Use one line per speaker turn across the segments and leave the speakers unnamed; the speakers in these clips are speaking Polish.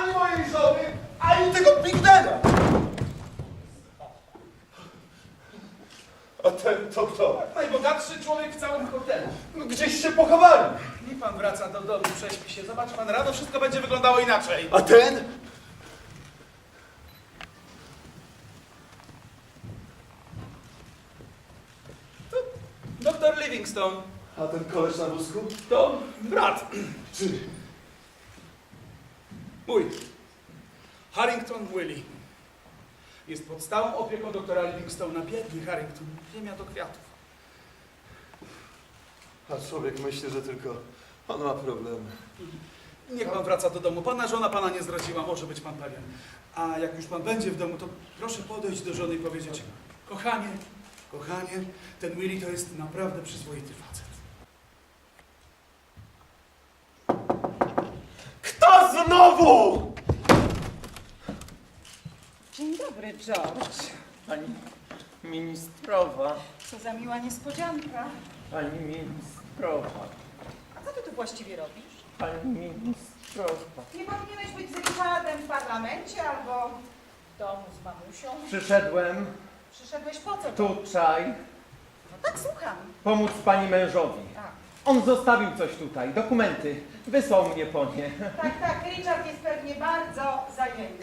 ani mojej żony, ani tego Bigdena. A ten to kto?
Najbogatszy człowiek w całym hotelu.
No, gdzieś się pochowali.
Niech pan wraca do domu, prześpi się. Zobacz pan, rano wszystko będzie wyglądało inaczej.
A ten?
To doktor Livingstone.
A ten koleś na wózku?
To brat.
Czy?
Mój. Harrington Willie. Jest pod stałą opieką doktora Livingstone'a. Biedny Harrington. Ziemia do kwiatów.
A człowiek myśli, że tylko on ma problemy.
Niech pan wraca do domu. Pana żona pana nie zdradziła, może być pan pewien. A jak już pan będzie w domu, to proszę podejść do żony i powiedzieć: kochanie, kochanie, ten Willie to jest naprawdę przyzwoity facet.
Kto znowu?
Dzień dobry, George.
Pani ministrowa,
Co za miła niespodzianka.
pani ministrowa,
A co ty tu właściwie robisz?
pani ministrowa.
Nie powinieneś być z Richardem w parlamencie albo w domu z mamusią?
Przyszedłem
Przyszedłeś po co?
tutaj
No tak, słucham.
pomóc pani mężowi.
Tak,
On zostawił coś tutaj, dokumenty. Wysłał mnie po nie.
tak, Richard jest pewnie bardzo zajęty.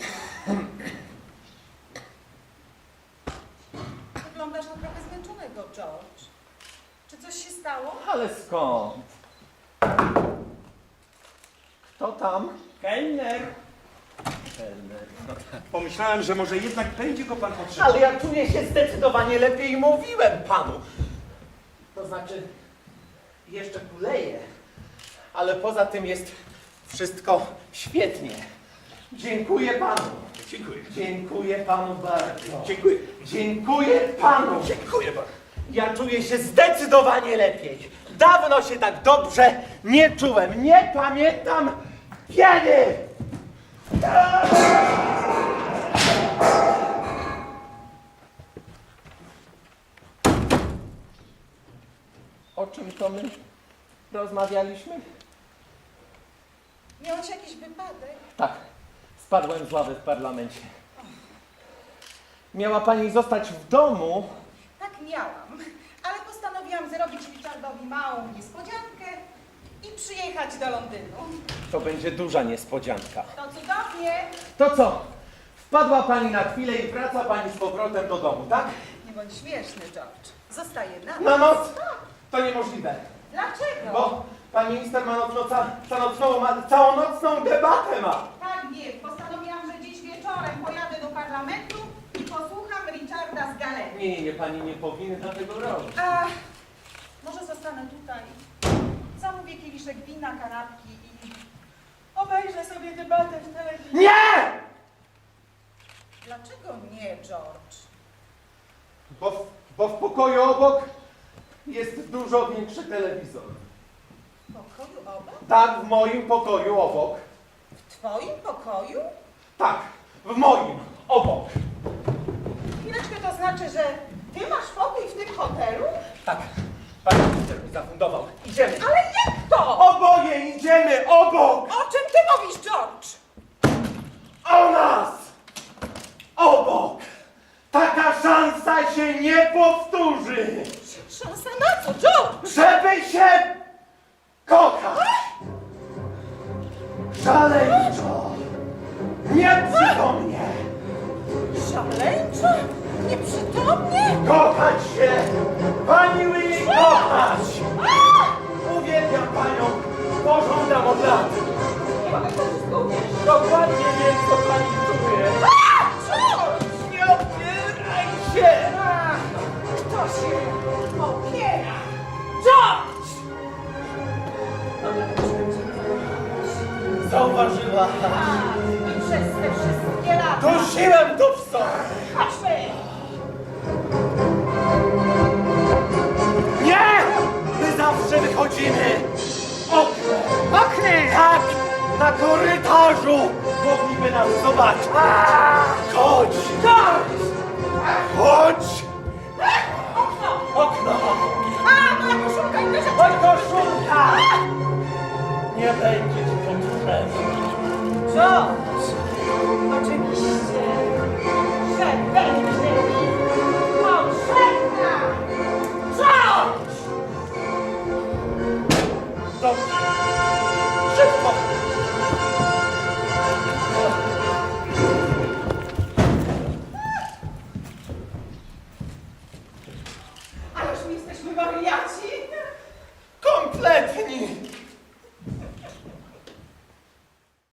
Wyglądasz na trochę zmęczonego, George. Czy coś się stało?
Ale skąd? Kto tam? Kelner. Kelner. No tak.
Pomyślałem, że może jednak będzie go pan potrzebował.
Ale ja czuję się zdecydowanie lepiej, mówiłem panu. To znaczy, jeszcze kuleję, ale poza tym jest wszystko świetnie. Dziękuję panu.
Dziękuję.
Dziękuję panu bardzo.
Dziękuję.
Dziękuję panu.
Dziękuję bardzo.
Ja czuję się zdecydowanie lepiej. Dawno się tak dobrze nie czułem. Nie pamiętam kiedy. O czym to my rozmawialiśmy?
Miałeś jakiś wypadek?
Tak, spadłem z ławy w parlamencie. Miała pani zostać w domu.
Tak, miałam. Ale postanowiłam zrobić Richardowi małą niespodziankę i przyjechać do Londynu.
To będzie duża niespodzianka.
To cudownie.
To co? Wpadła pani na chwilę i wraca pani z powrotem do domu, tak?
Nie bądź śmieszny, George. Zostaję na
Na noc? To niemożliwe.
Dlaczego?
Bo pan minister ma całonocną debatę ma.
Tak, wiem. Postanowiłam, że dziś wieczorem pojadę do parlamentu i posłucham Richarda z galerii.
Nie, pani nie powinna tego robić.
A może zostanę tutaj, zamówię kieliszek wina, kanapki i obejrzę sobie debatę w telewizji.
Nie!
Dlaczego nie, George?
Bo w pokoju obok jest dużo większy telewizor.
W pokoju obok?
Tak, w moim pokoju obok.
W twoim pokoju?
Tak, w moim obok.
Chwileczkę, to znaczy, że ty masz pokój w tym hotelu?
Tak, pan minister mi zafundował. Idziemy.
Ale jak to?
Oboje idziemy obok!
O czym ty mówisz, George?
O nas! Obok! Taka szansa się nie powtórzy!
Szansa na co, George?
Żeby się kochać! Szaleńczo! Nieprzytomnie!
Szaleńczo? Nieprzytomnie?
Kochać się! Pani Willie, kochać! Uwielbiam panią! Pożądam od lat!
Ale to wszystko uwierzysz.
Dokładnie wiem, co pani czuje!
George!
Nie opieraj się!
Kto się opiera? George!
Zauważyła!
Tak, i przez te wszystkie lata.
Dusiłem to w sobie!
Chodźmy!
Nie! My zawsze wychodzimy oknem! Oknem! Tak! Na korytarzu! Mogliby nas zobaczyć! Chodź! Chodź!
Okno!
Okno!
A, moja koszulka i te rzeczy!
Chodź, koszulka! Nie będzie ci potrzebna.
George! Oczywiście, że będzie.